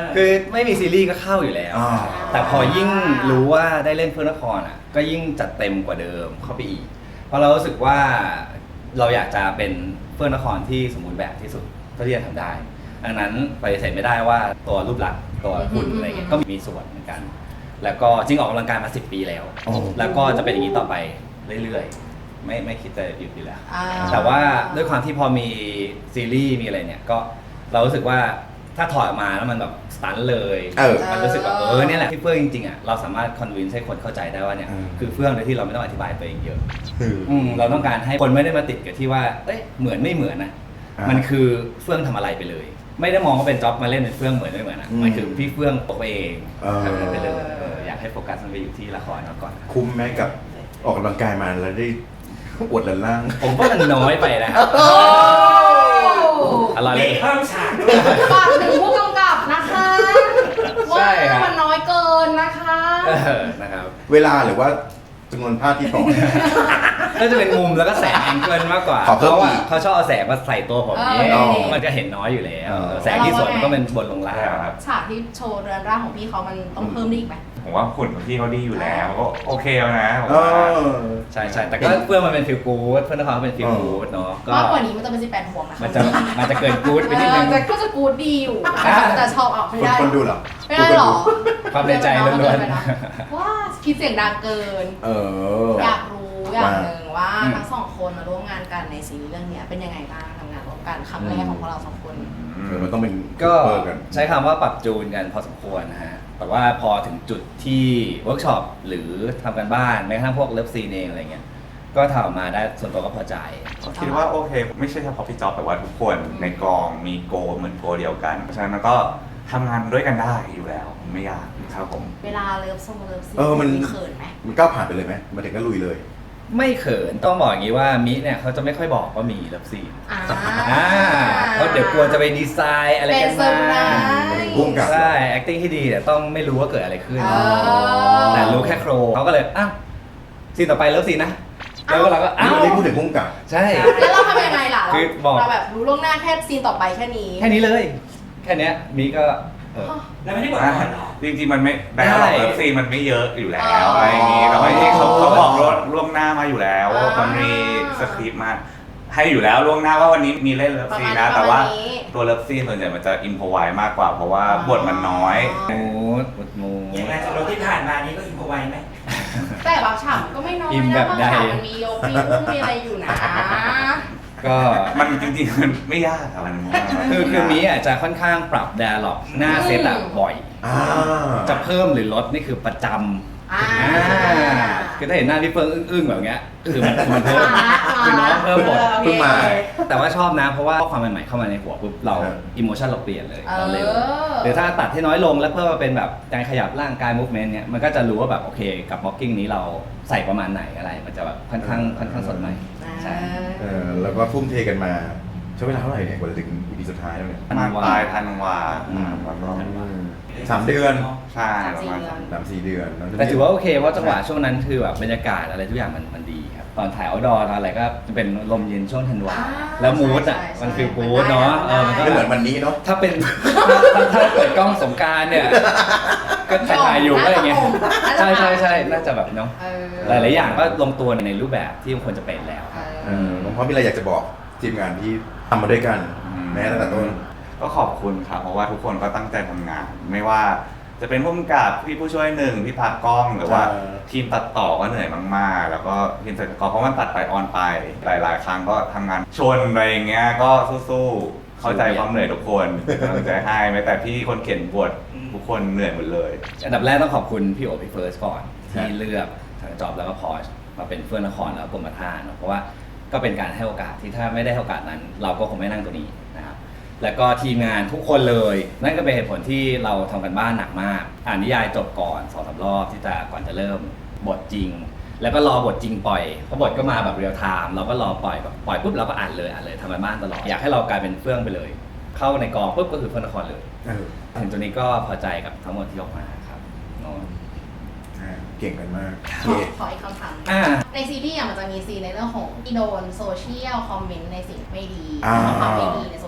[SPEAKER 2] คือไม่มีซีรีส์ก็เข้าอยู่แล้ว
[SPEAKER 1] อ่า
[SPEAKER 2] แต่พอยิ่งรู้ว่าได้เล่นเพื่อนนครอ่ะก็ยิ่งจัดเต็มกว่าเดิมเข้าไปอีก เพราะเรารู้สึกว่าเราอยากจะเป็นเพื่อนนครที่สมบูรณ์แบบที่สุดเท่าที่จะทำได้ดังนั้นปฏิเสธไม่ได้ว่าตัวรูปลักษณ์ตัวหุ่นอะไรเงี้ยก็มีส่วนเหมือนกัน แล้วก็จริงออกกำลังกายมาสิบปีแล้ว
[SPEAKER 1] โอ้
[SPEAKER 2] แล้วก็จะเป็นอย่างนี้ต่อไปเรื่อยๆไม่ไม่คิดจะหยุดอยู่แล้ว
[SPEAKER 3] อ่า
[SPEAKER 2] แต่ว่าด้วยความที่พอมีซีรีส์มีอะไรเนี่ยก็เรารู้สึกว่าถ้าถอดออกมาแล้วมันแบบสตันเลย
[SPEAKER 1] เออ
[SPEAKER 2] มันรู้สึกว่าเออเนี่ยแหละที่เฟื่องจริงๆอ่ะเราสามารถคอนวินให้คนเข้าใจได้ว่าเนี่ย
[SPEAKER 1] อืม
[SPEAKER 2] คือเฟื่องโดยที่เราไม่ต้องอธิบายตัวเองเยอะ
[SPEAKER 1] คือ
[SPEAKER 2] อืมเราต้องการให้คนไม่ได้มาติดกับที่ว่าเอ้ยเหมือนไม่เหมือนนะ
[SPEAKER 1] อ่ามั
[SPEAKER 2] มันคือเฟื่องทำอะไรไปเลย ไม่ได้มองว่าเป็นจ็อบมาเล่นเป็นเฟื่องเหมือนไม่เหมือนนะ
[SPEAKER 1] อืม
[SPEAKER 2] มันคือพี่เฟื่องตัวเอง
[SPEAKER 1] เออ
[SPEAKER 2] ทำมันไปเลยเอออยากให้โฟกัสมันไปอยู่ที่ละครก่อน
[SPEAKER 1] คุ้มไหมกับออกกำลังกายมาแล้วได้อวดหลันล่าง
[SPEAKER 2] ผมว่ามันน้อยไปนะ
[SPEAKER 3] โอ้
[SPEAKER 2] อร่อย
[SPEAKER 5] เบ
[SPEAKER 2] เล
[SPEAKER 5] ร
[SPEAKER 2] ย
[SPEAKER 5] กเพิ่มฉากด้วย
[SPEAKER 3] ฝากถึงผู้กำกับนะคะ
[SPEAKER 2] ใช่
[SPEAKER 3] ว่า
[SPEAKER 2] ครับ
[SPEAKER 3] มันน้อยเกินนะคะ
[SPEAKER 2] เออนะครับ
[SPEAKER 1] เวลาหรือว่าจำนวนภาพที่ต่อ
[SPEAKER 2] น่าจะเป็นมุมแล้วก็แสงแองเกิลมากกว่า
[SPEAKER 1] ขอเพิ่ม
[SPEAKER 2] เพราะว่า
[SPEAKER 1] อีก
[SPEAKER 2] เขาชอบเอาแสงมาใส่ตัวผมนี้
[SPEAKER 3] เออ
[SPEAKER 2] มันจะเห็นน้อยอยู่แล้ว
[SPEAKER 1] เออ
[SPEAKER 2] แสงที่สวนมันก็เป็นบนลงล่าง
[SPEAKER 4] ใช่ครับ
[SPEAKER 3] ฉากที่โชว์เรือนร่างของพี่เขามันต้องเพิ่มได้อีกไหม
[SPEAKER 4] ผมว่าหุ่นของพี่เขาดีอยู่แล้วก็โอเคแล้วนะผม
[SPEAKER 1] เอ
[SPEAKER 4] ว่า
[SPEAKER 1] อ
[SPEAKER 2] ใช่ใช่แต่ก็เพื่อนมันเป็นฟิลกู๊ดเพื่อนเขาเป็นฟิลกู๊ดเนาะก็
[SPEAKER 3] มากกว่านี้มันจะเป็นสิบแปดห่วงนะคะ
[SPEAKER 2] มันจะมันจะเกินกู๊ดไปนิดนึง
[SPEAKER 3] เออแต่ก็จะกูดดีอยู่
[SPEAKER 2] อ่า
[SPEAKER 3] แต่ชอบเอาไม่
[SPEAKER 1] คน
[SPEAKER 3] ได้
[SPEAKER 1] คนดูเหรอ
[SPEAKER 3] ไม่ได้หรอ
[SPEAKER 2] ความในใจล้วน
[SPEAKER 3] เกิไปะว้าคิดเสียงดังเกิน
[SPEAKER 1] เออ
[SPEAKER 3] อยากรู้อย่างหนึ่งว่า
[SPEAKER 2] อืม
[SPEAKER 3] ทั้งสองคนมาร่วมงานกันในซีรีส์เรื่องเนี้ยเป็นยังไงบ้างทำงานร่วมกันครั้งแรกของพวกเราสองคน
[SPEAKER 1] เออมันต้องเป็น
[SPEAKER 2] ก็
[SPEAKER 1] เปิดกัน
[SPEAKER 2] ใช้คำว่าปรับจูนกันพอสมควรนะฮะแต่ว่าพอถึงจุดที่เวิร์กช็อปหรือทำกันบ้านแม้กระทั่งพวกเลิฟซีนเองอะไรเงี้ยก็ทำออกมาได้ส่วนตัวก็พอใจ
[SPEAKER 4] ก็คิดว่าโอเค ไม่ใช่เฉพาะพี่จ๊อบแต่ว่าทุกคนในกองมีโกลเหมือนโกลเดียวกันเพราะฉะนั้นมันก็ทำงานด้วยกันได้อยู่แล้วไม่ยากครับผม
[SPEAKER 3] เวลาเลิฟซงเลิฟซี
[SPEAKER 1] เออมัน
[SPEAKER 3] เขินไหม
[SPEAKER 1] มันก้าวผ่านไปเลยไหมมาถึงก็ลุยเลย
[SPEAKER 2] ไม่เขินต้องบอกอย่างนี้ว่ามิเนี่ยเขาจะไม่ค่อยบอกว่ามีเลิฟซีน
[SPEAKER 3] อ่า
[SPEAKER 2] อ่าเพราะเดี๋ยวกลัวจะไปดีไซน์อะไร
[SPEAKER 3] เป็
[SPEAKER 2] กัน น
[SPEAKER 3] เซอ
[SPEAKER 2] มา
[SPEAKER 3] ร์ไพรส์
[SPEAKER 1] พุ่งกลับ
[SPEAKER 2] ใช่ acting ที่ดีแต่ต้องไม่รู้ว่าเกิดอะไรขึ้น
[SPEAKER 3] อ๋อ
[SPEAKER 2] แต่รู้แค่โครเขาก็เลยอ้าวซีนต่อไปเลิฟซีนนะแล้วเราก็อ้า
[SPEAKER 1] นี่
[SPEAKER 2] ว
[SPEAKER 1] วันนี้พูดถึงพุ่งกับ
[SPEAKER 2] ใช่
[SPEAKER 3] แล้วเราทำยังไงล่ะ
[SPEAKER 2] คือบอก
[SPEAKER 3] เราแบบรู้ล่วงหน้าแค่ซีนต่อไปแค่นี้
[SPEAKER 2] แค่นี้เลย แค่เนี้ยมิก็เออ
[SPEAKER 5] แล้วไม่ได้บอกก่อนเหรอ
[SPEAKER 4] จริงๆมันไม่แต่
[SPEAKER 2] ได้
[SPEAKER 4] เราเลิฟซีนมันไม่เยอะอยู่แล้ว
[SPEAKER 3] อ๋ออ
[SPEAKER 4] อะไรอย่างงี้แต่ว่าที่เขาเขาบอกล่วงล่วงหน้ามาอยู่แล้ว
[SPEAKER 3] อ่า
[SPEAKER 4] มันมีสคริปต์มาให้อยู่แล้วล่วงหน้าว่าวันนี้มีเล่นเลิฟซีนนะ
[SPEAKER 3] ประมาณนี้
[SPEAKER 4] แต่ว่า
[SPEAKER 3] ประมาณนี้
[SPEAKER 4] ตัวเลิฟซีนส่วนใหญ่มันจะอินพอไวมากกว่า เพราะว่า
[SPEAKER 3] อ๋อ
[SPEAKER 4] บทมันน้อย
[SPEAKER 2] มูดมูดมู
[SPEAKER 5] อย่างงานสรุปที่ผ่านมานี้ก็อินพอไวไหม
[SPEAKER 3] แต่บางฉากมันก็ไม่น้อย
[SPEAKER 2] อินแบ
[SPEAKER 3] นะ
[SPEAKER 2] บบ
[SPEAKER 3] าง
[SPEAKER 2] ใด
[SPEAKER 3] ฉากมันมีโยกมีอุ้มมีอะไรอยู่นะ
[SPEAKER 2] ก็
[SPEAKER 4] มันจริงๆมันไม่ยากอะมัน
[SPEAKER 2] คือคือมิอ่ะจะค่อนข้างปรับ dialog หน้าเซตอะบ่อย
[SPEAKER 1] อ่า
[SPEAKER 2] จะเพิ่มหรือลดนี่คือประจำ
[SPEAKER 3] อ่า
[SPEAKER 2] อ่าคือถ้าเห็นหน้าพี่เฟิงอึ้งๆแบบเงี้ยคือมันมันเพิ่มคือน้องเพิ่มบท
[SPEAKER 1] เพิ่งมา
[SPEAKER 2] แต่ว่าชอบนะเพราะว่าความใหม่ๆเข้ามาในหัวปุ๊บเรา
[SPEAKER 1] ครับ
[SPEAKER 2] อิโมชันเราเปลี่ยนเลย
[SPEAKER 3] เออ
[SPEAKER 2] เราเร็วหรือถ้าตัดให้น้อยลงแล้วเพิ่มมาเป็นแบบการขยับร่างกาย movement เนี่ยมันก็จะรู้ว่าแบบโอเคกับบล็อกกิ้งนี้เราใส่ประมาณไหนอะไร มันจะแบบค่อนข้างค่อนข้างสดใหม่ใช่
[SPEAKER 1] เออแล้วก็ทุ่มเทกันมาใช้เวลาเท่าไหร่เนี่ยกว่าจะถึง อี พี สุดท้ายแล้วเนี่ย
[SPEAKER 4] มากปลายธันวา
[SPEAKER 1] อืม
[SPEAKER 4] แล้วก็
[SPEAKER 1] สามเดือน
[SPEAKER 4] ใช่
[SPEAKER 3] สาม
[SPEAKER 4] ประ
[SPEAKER 3] สี่
[SPEAKER 4] มาณ
[SPEAKER 3] เดือน
[SPEAKER 1] สามสี่เดือน
[SPEAKER 2] แต่ถือว่าโอเคเพราะจังหวะช่วงนั้นคือแบบบรรยากาศอะไรทุกอย่างมันมันดีครับตอนถ่ายเอาดอตอนอะไรก็จะเป็นลมเย็นช่วงธันวา
[SPEAKER 3] อ่า
[SPEAKER 2] แล้วมูดอ่ะ
[SPEAKER 3] ใช่ใช่
[SPEAKER 2] มันฟีลกู๊ดเนาะเออมันก็
[SPEAKER 1] ไม่เหมือนวันนี้เนาะ
[SPEAKER 2] ถ้าเป็นถ้าถ้าเปิดกล้องสงกรารเนี่ย ก็ถ่ายถ่ายอยู่ก็อย่างเงี้ยใช่ใช่ใช่น่าจะแบบเนาะ
[SPEAKER 3] เออ
[SPEAKER 2] หลายๆอย่างก็ลงตัวในรูปแบบที่มันควรจะเป็นแล้ว
[SPEAKER 1] เออผมพร้อมมีอะไรอยากจะบอกทีมงานที่ทำมาด้วยกัน แม้ตั้งแต่ต้น
[SPEAKER 4] ก็ขอบคุณครับเพราะว่าทุกคนก็ตั้งใจทำงาน ไม่ว่าจะเป็นผู้กำกับพี่ผู้ช่วยหนึ่งพี่พากล้องหรือว่า
[SPEAKER 1] เออ
[SPEAKER 4] ทีมตัดต่อก็เหนื่อยมากๆ แล้วก็ทีมตัดต่อเพราะมันตัดไปออนไปหลาย ๆ ครั้งก็ทำงานชนอะไรอย่างเงี้ยก็สู้ๆเข้าใจความเหนื่อยทุกคนเป็นกำลังใจให้แม้แต่พี่คนเขียนบททุกคนเหนื่อยหมดเลย
[SPEAKER 2] อันดับแรกต้องขอบคุณพี่โอพี่เฟิร์สก่อน
[SPEAKER 1] ครั
[SPEAKER 2] ที่
[SPEAKER 1] บ
[SPEAKER 2] เลือกทางจอบแล้วก็พอชมาเป็นเฟื่องนครแล้วก็กรมท่าเนอะเพราะว่าก็เป็นการให้โอกาสที่ถ้าไม่ได้ให้โอกาสนั้น เราก็คงไม่นั่งตรงนี้นะครับแล้วก็ทีมงานทุกคนเลย นั่นก็เป็นเหตุผลที่เราทำกันบ้านหนักมาก อ่านนิยายจบก่อนสองสามรอบที่จะก่อนจะเริ่มบทจริง แล้วก็รอบทจริงปล่อยเพราะบทก็มาแบบเรียลไทม์เราก็รอปล่อยแบบปล่อยปุ๊บเราก็อ่านเลยอ่านเลยทำกันบ้านตลอดอยากให้เรากลายเป็นเฟื่องไปเลย เข้าในกองปุ๊บก็คือเฟื่องนครเลย
[SPEAKER 1] เออ
[SPEAKER 2] ถึงตัวนี้ก็พอใจกับทั้งหมดที่ออกมาครับเนาะ
[SPEAKER 1] อ่าเก่งกันมาก
[SPEAKER 3] ข
[SPEAKER 1] โอ
[SPEAKER 3] อ
[SPEAKER 1] เค
[SPEAKER 3] ขออีกคำถาม
[SPEAKER 2] อ่า
[SPEAKER 3] ในซีรีส์อะมันจะมีซีนในเรื่องของที่โดนโซเชียลคอมเมนต์ในสิ่งไม่ดี
[SPEAKER 1] อ่า
[SPEAKER 3] ความไม่ดีในโซ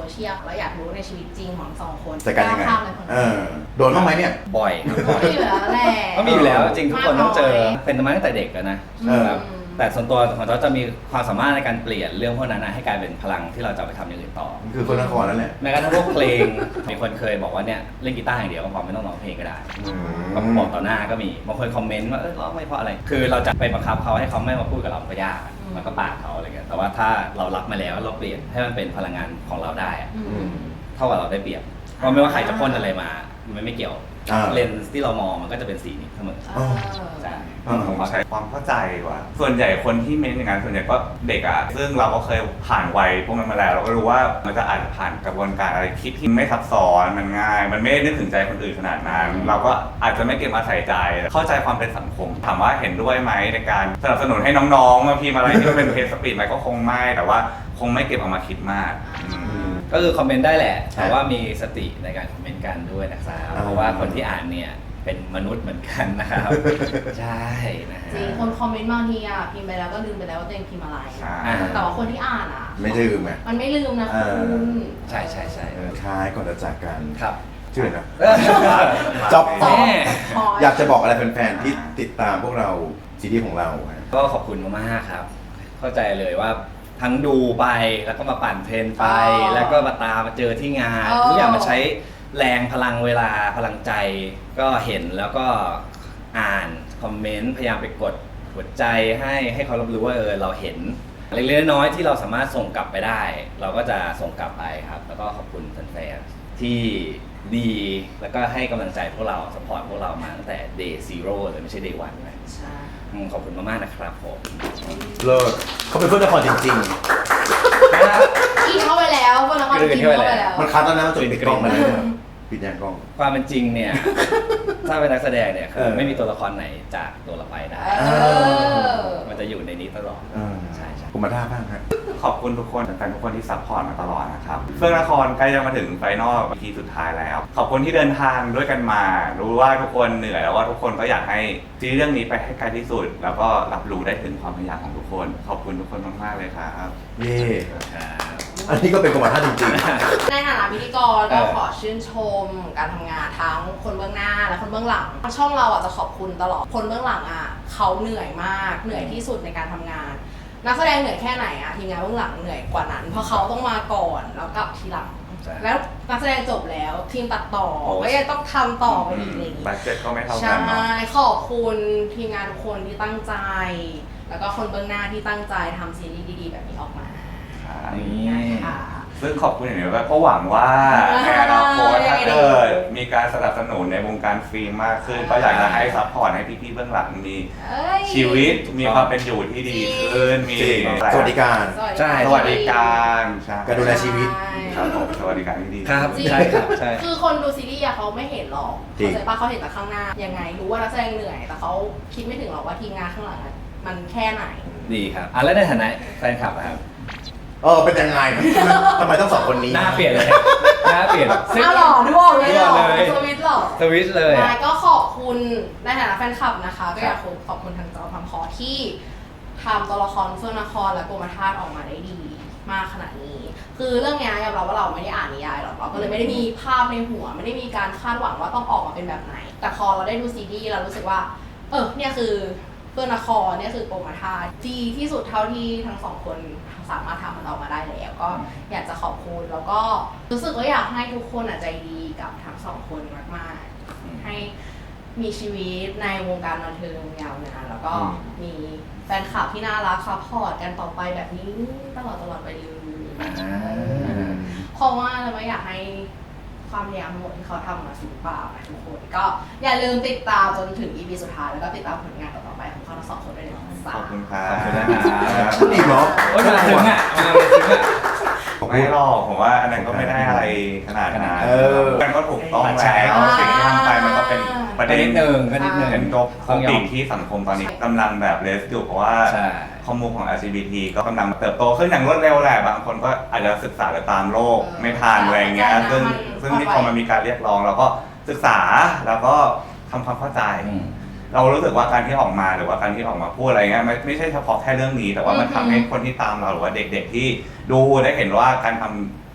[SPEAKER 3] เชียลเราอยากรู้ในชีวิตจริงของสองคน
[SPEAKER 1] จัดการยังไง
[SPEAKER 3] ข้ามเลยคน
[SPEAKER 1] เออโดนบ้างไหมเนี่ย
[SPEAKER 2] บ่อยครับบ่อย
[SPEAKER 3] ก็อยู่แล้วแหละ
[SPEAKER 2] ก็มีอยู่แล้วจริงทุกคนต้องเจอเป็นมาตั้งแต่เด็กอะนะ
[SPEAKER 1] เออ
[SPEAKER 2] ครับแต่ส่วนตัวของเราจะมีความสามารถในการเปลี่ยนเรื่องพวกนั้นนะให้กลายเป็นพลังที่เราจะเอาไปทำอย่างอื่นต่อ
[SPEAKER 1] มันคือคนนครนั่นแหละ
[SPEAKER 2] แม้กระทั่งพวกเพลง มีคนเคยบอกว่าเนี่ยเล่นกีตาร์อย่างเดียวก็พอไม่ต้องร้องเพลงก็ได้
[SPEAKER 1] อืม
[SPEAKER 2] ก็บอกต่อหน้าก็มีบางคนคอมเมนต์ว่าเออร้องไม่เพราะอะไร คือเราจะไปบังคับเขาให้เขาไม่มาพูดกับเราก็ยากอะมันก็ปากเขาอะไรเงี้ยแต่ว่าถ้าเรารับมาแล้วเราเปลี่ยนให้มันเป็นพลังงานของเราได้อะ
[SPEAKER 3] อืม
[SPEAKER 2] เท่ากับเราได้เปรียบเพราะไม่ว่าใครจะพ่นอะไรมามันไม่เกี่ยว
[SPEAKER 1] อ่า
[SPEAKER 2] เลนส์ที่เรามองมันก็จะเป็นสีนี้เสมอ
[SPEAKER 3] เออ
[SPEAKER 2] ใช่
[SPEAKER 4] ผมใช้ความเข้าใจกว่า ส่วนใหญ่คนที่เม้นอย่างนั้นส่วนใหญ่ก็เด็กอ่ะ ซึ่งเราก็เคยผ่านวัยพวกนั้นมาแล้ว เราก็รู้ว่ามันจะอาจจะผ่านกระบวนการอะไรคิดที่ไม่ซับซ้อนมันง่าย มันไม่ได้นึกถึงใจคนอื่นขนาดนั้น เราก็อาจจะไม่เก็บมาใส่ใจ เข้าใจความเป็นสังคม ถามว่าเห็นด้วยไหมในการสนับสนุนให้น้องๆมาพิมพ์อะไรที่มันเป็นเพจสปีดไหมก็คงไม่ แต่ว่าคงไม่เก็บเอามาคิดมากอืม
[SPEAKER 2] ก็คือคอมเมนต์ได้แหละ
[SPEAKER 1] ใช่
[SPEAKER 2] แต่ว่ามีสติในการคอมเมนต์กันด้วยนะครับ
[SPEAKER 1] อ่า
[SPEAKER 2] เพราะว่าคนที่อ่านเนี่ยเป็นมนุษย์เหมือนกันนะครับ ใช่นะฮะ
[SPEAKER 3] จริงคนคอมเมนต์บางทีอ่ะพิมพ์ไปแล้วก็ลืมไปแล้วว่าตัวเองพิมพ์อะไร
[SPEAKER 4] ใช่
[SPEAKER 2] อ่า
[SPEAKER 3] แต่ว่าคนที่อ่านอ่ะ
[SPEAKER 1] ไม่ลืมไง
[SPEAKER 3] มันไม่ลืมนะ
[SPEAKER 1] เอ
[SPEAKER 3] คุ
[SPEAKER 1] อ
[SPEAKER 3] ณ
[SPEAKER 2] ใช่ใช่ใช่
[SPEAKER 1] เออท้ายก่อนจะจากกัน
[SPEAKER 2] ครับ
[SPEAKER 1] ชื่ออะไรนะ
[SPEAKER 4] จ
[SPEAKER 1] จ๊
[SPEAKER 4] อ
[SPEAKER 1] อ
[SPEAKER 4] บบ
[SPEAKER 2] แม่
[SPEAKER 1] อยากจะบอกอะไรแฟนๆที่ติดตามพวกเราซีรีส์ของเราฮะ
[SPEAKER 2] ก็ขอบคุณมากๆครับ เข้าใจเลยว่าทั้งดูไปแล้วก็มาปั่นเทรนไป
[SPEAKER 3] อ๋อ
[SPEAKER 2] แล้วก็มาตามมาเจอที่งาน
[SPEAKER 3] อ๋อ
[SPEAKER 2] ทุกอย่างมาใช้แรงพลังเวลาพลังใจก็เห็นแล้วก็อ่านคอมเมนต์พยายามไปกดหัวใจให้ให้เขารับรู้ว่าเออเราเห็นเล็กๆน้อยๆที่เราสามารถส่งกลับไปได้ เราก็จะส่งกลับไปครับ แล้วก็ขอบคุณแฟนๆที่ดีแล้วก็ให้กำลังใจพวกเราสปอร์ตพวกเรามาตั้งแต่ day zero เลยไม่ใช่ day one นะ
[SPEAKER 3] ใช่
[SPEAKER 2] อืมขอบคุณมากๆนะครับผม
[SPEAKER 1] เลิศเขาเป็นเพื่อนนครจริง
[SPEAKER 3] กินเข้าไปแล้วคนละคนกินเข้าไปแล้ว
[SPEAKER 1] ๆ มันคัดแล้วนะมันจะปิดกล้องมาแล้วเนี่ยปิดยังกล้อง
[SPEAKER 2] ความเป็นจริงเนี่ย ถ้าเป็นนักแสดงเนี่ยคือ
[SPEAKER 1] เออ
[SPEAKER 2] ไม่มีตัวละครไหนจากตัวเราไปได้
[SPEAKER 3] เออ
[SPEAKER 2] มันจะอยู่ในนี้ตลอด
[SPEAKER 1] เออ
[SPEAKER 2] ใช่ใช่
[SPEAKER 1] ผมมาท่าบ้างฮะ
[SPEAKER 4] ขอบคุณทุกคนแฟนๆทุกคนที่ซัพพอร์ตมาตลอดนะครับเฟื่องนครใกล้จะมาถึงไฟนอล อี พี สุดท้ายแล้ว ขอบคุณที่เดินทางด้วยกันมา รู้ว่าทุกคนเหนื่อยแล้วว่าทุกคนก็อยากให้ซีรีส์เรื่องนี้ไปให้ไกลที่สุด แล้วก็รับรู้ได้ถึงความพยายามของทุกคน ขอบคุณทุกคนมากๆเลยครับ
[SPEAKER 1] เย่
[SPEAKER 2] ครับ
[SPEAKER 1] อันนี้ก็เป็นกรรมท่าจริง
[SPEAKER 3] ในฐานะพิธีกรก็
[SPEAKER 2] เออ
[SPEAKER 3] ขอชื่นชมการทำงานทั้งคนเบื้องหน้าและคนเบื้องหลังช่องเราอ่ะจะขอบคุณตลอดคนเบื้องหลังอ่ะเขาเหนื่อยมากเหนื่อยที่สุดในการทำงาน นักแสดงเหนื่อยแค่ไหนอ่ะทีมงานเบื้องหลังเหนื่อยกว่านั้น เพราะเขาต้องมาก่อนแล้วกลับทีหลัง
[SPEAKER 2] ใช่
[SPEAKER 3] แล้วนักแสดงจบแล้วทีมตัดต่อ
[SPEAKER 2] โอ้
[SPEAKER 3] ก็ยังต้องทำต่อไปอีกอะไรอย่างงี้
[SPEAKER 4] บัตเจ็ตก็ไม่เท่า
[SPEAKER 3] ใช่
[SPEAKER 4] กันเนาะ
[SPEAKER 3] ขอบคุณทีมงานทุกคนที่ตั้งใจ แล้วก็คนเบื้องหน้าที่ตั้งใจทำซีรีส์ดีๆแบบนี้ออกมา
[SPEAKER 2] นี่
[SPEAKER 3] นะคะ
[SPEAKER 4] ซึ่งขอบคุณอย่างนี้ด้วยเพราะหวังว่าในอนาคตถ้าเกิดมีการสนับสนุนในวงการฟิล์มมากขึ้น ก็อยากจะให้ซัพพอร์ตให้พี่ๆเบื้องหลังมี
[SPEAKER 3] เอ้ย
[SPEAKER 4] ชีวิตมีความเป็นอยู่ที่ดีขึ้นมี
[SPEAKER 1] ๆจริงสวัสดิการ
[SPEAKER 2] ใช่
[SPEAKER 4] สวัสดิการใช่
[SPEAKER 1] การดูแลชีวิต
[SPEAKER 4] ครับผมสวัสดิการที่ดี
[SPEAKER 2] ครับ
[SPEAKER 3] จริง
[SPEAKER 2] ใช่ครับใช่
[SPEAKER 3] คือคนดูซีรีส์อะเขาไม่เห็นหรอก
[SPEAKER 1] จริง
[SPEAKER 3] เข้าใจปะเขาเห็นแต่ข้างหน้า ยังไงรู้ว่านักแสดงเหนื่อย แต่เขาคิดไม่ถึงหรอกว่าทีมงานข้างหลังอะมันแค่ไหน
[SPEAKER 2] ดีครับอ่ะแล้วในฐานะแฟนคลับอะครับ
[SPEAKER 1] เออเป็นยังไงทำไมต้องสองคนนี้
[SPEAKER 2] หน้าเปลี่ยนเลยหน้าเปลี่ยน
[SPEAKER 3] อ้าวหล่อด้วยบอกเลยหล่อ
[SPEAKER 2] หล่อเลย
[SPEAKER 3] สวิตช์หล่อ
[SPEAKER 2] สวิตช์เลย
[SPEAKER 3] นายก็ขอบคุณในฐานะแฟนคลับนะคะ ก็อยากขอบคุณทางจอทำคอที่ทำตัวละครเฟื่องนครและกรมธาตุออกมาได้ดีมากขนาดนี้ คือเรื่องเนี้ยยอมรับว่าเราไม่ได้อ่านนิยายหรอกเราก็เลยไม่ได้มีภาพในหัว ไม่ได้มีการคาดหวังว่าต้องออกมาเป็นแบบไหน แต่พอเราได้ดูซีรีส์เรารู้สึกว่า เออเนี่ยคือเฟื่องนครเนี่ยคือกรมธาตุดีที่สุดเท่าที่ทั้งสองคนสามารถทำมันออกมาได้แล้วก็อยากจะขอบคุณแล้วก็รู้สึกว่าอยากให้ทุกคนอ่ะใจดีกับทั้งสองคนมากๆ ให้มีชีวิตในวงการบันเทิงยาวนานแล้วก็
[SPEAKER 1] อืม
[SPEAKER 3] มีแฟนคลับที่น่ารักซัพพอร์ตกันต่อไปแบบนี้ตลอดตลอดไปเลย
[SPEAKER 2] อ่า
[SPEAKER 3] เพราะว่าเราไม่อยากให้ความพยายามทั้งหมดที่เขาทำมาสูญเปล่านะทุกคนก็อย่าลืมติดตามจนถึง อี พี สุดท้ายแล้วก็ติดตามผลงานต่อๆไปของเขาทั้งสองคนด้วยนะ
[SPEAKER 4] ขอบคุณครับ
[SPEAKER 2] ขอบคุณนะครับ
[SPEAKER 1] พูดอีกเหรอ
[SPEAKER 2] โอ้ยมาถึงอ่ะมาถึงอ่ะ
[SPEAKER 4] ไม่หรอกผมว่าอันนั้นก็ไม่ได้อะไรขนาดนั้น
[SPEAKER 1] เออ
[SPEAKER 4] มันก็ถูกต้องแล้วสิ่งที่ทำไปมันก็เป็นประ
[SPEAKER 2] ก็
[SPEAKER 4] เด็น
[SPEAKER 2] นิดนึงก็นิดนึง
[SPEAKER 4] เป็นตัวของสิ่งที่สังคมตอนนี้กำลังแบบเลสอยู่เพราะว่า
[SPEAKER 2] ใช่
[SPEAKER 4] ข้อมูลของ แอล จี บี ที ก็กำลังเติบโตขึ้นอย่างรวดเร็วแหละบางคนก็อาจจะศึกษาหรือตามโลกไม่ทันอะไรอย่างเงี้ยซึ่งซึ่งที่พอมันมีการเรียกร้องเราก็ศึกษาแล้วก็ทำความเข้าใจ
[SPEAKER 2] อืม
[SPEAKER 4] เรารู้สึกว่าการที่ออกมาหรือว่าการที่ออกมาพูดอะไรเงี้ยไม่ไม่ใช่เฉพาะแค่เรื่องนี้ แต่ว่ามันทำให้คนที่ตามเราหรือว่าเด็กๆที่ดูได้เห็นว่าการทำ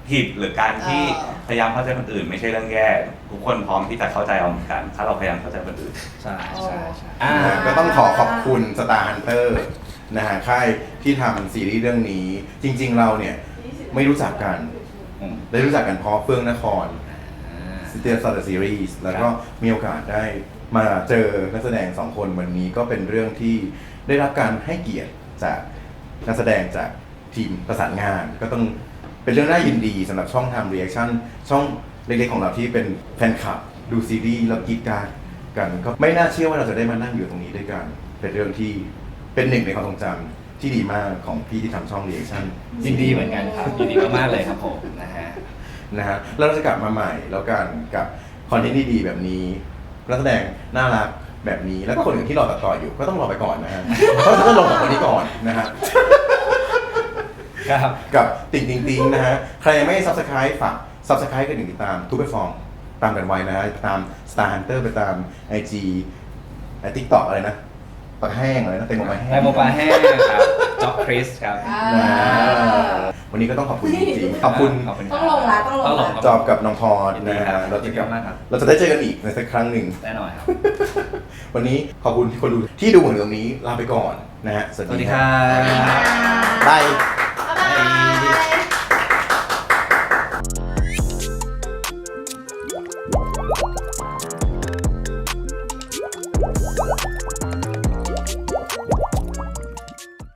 [SPEAKER 4] ผิดหรือการที่
[SPEAKER 3] เออ
[SPEAKER 4] พยายามเข้าใจคนอื่นไม่ใช่เรื่องแย่ทุกคนพร้อมที่จะเข้าใจเราเหมือนกัน ถ้าเราพยายามเข้าใจคนอื่น
[SPEAKER 2] ใช่ใช่ใช่
[SPEAKER 1] อ่าก็ต้องขอขอบคุณ Star Hunter นะฮะค่ายที่ทำซีรีส์เรื่องนี้ จริงๆเราเนี่ยไม่รู้จักกัน
[SPEAKER 2] อืม
[SPEAKER 1] ได้รู้จักกันเพราะเฟื่องนคร
[SPEAKER 2] อ่า
[SPEAKER 1] สเตียร์สตาร์ซีรีส์แล้วก็มีโอกาสได้มาเจอนักแสดงสองคนวันนี้ก็เป็นเรื่องที่ได้รับการให้เกียรติจากนักแสดงจากทีมประสานงาน ก็ต้องเป็นเรื่องน่ายินดีสำหรับช่องทำรีแอคชั่นช่องเล็กๆของเราที่เป็นแฟนคลับดูซีรีส์แล้วกรีดกรารกันก็ไม่น่าเชื่อว่าเราจะได้มานั่งอยู่ตรงนี้ด้วยกัน เป็นเรื่องที่เป็นหนึ่งในความทรงจำที่ดีมากของพี่ที่ทำช่องรีแอคชั่น
[SPEAKER 2] ยินดีเหมือนกันครับยินดีมากๆเลยครับผมนะฮะ
[SPEAKER 1] นะฮะแล้วเราจะกลับมาใหม่แล้วกันกับคอนเทนต์ที่ดีแบบนี้นักแสดงน่ารักแบบนี้แล้วก็คนอื่นที่รอตัดต่ออยู่ก็ต้องรอไปก่อนนะฮะ เพราะฉะนั้นลงกับคนนี้ก่อนนะฮะ
[SPEAKER 2] ครับ
[SPEAKER 1] กับติ่งติ่งติ่งนะฮะใครยังไม่ subscribe ฝาก subscribe กันหนึ่งติดตามทุกแพลตฟอร์มตามกันไว้นะฮะไปตาม Star Hunter ไปตาม ไอ จี ไอ TikTok อะไรนะปลาแห้งอะไรนะเต็มปลาแห้ง
[SPEAKER 2] ไดโมปลาแห้งครับจ็อกคริสครับ
[SPEAKER 3] อ่า
[SPEAKER 1] นะวันนี้ก็ต้องขอบคุณจริงๆขอบคุณ
[SPEAKER 2] ขอบคุณ
[SPEAKER 3] ต้องลงละต้องลงละ
[SPEAKER 2] ต้องลง
[SPEAKER 1] จอบกับน้องพร
[SPEAKER 2] ยินดี
[SPEAKER 1] นะ
[SPEAKER 2] ครั
[SPEAKER 1] ฮะ
[SPEAKER 2] บ
[SPEAKER 1] เราจะกลับ
[SPEAKER 2] ยินดีมากครับ
[SPEAKER 1] เราจะได้เจอกันอีกในสักครั้งหนึ่ง
[SPEAKER 2] แน่นอนครับ
[SPEAKER 1] วันนี้ขอบคุณที่คนดูที่ดูถึงตรงนี้ลาไปก่อนนะฮะ
[SPEAKER 2] สวัสดีครับ
[SPEAKER 1] บาย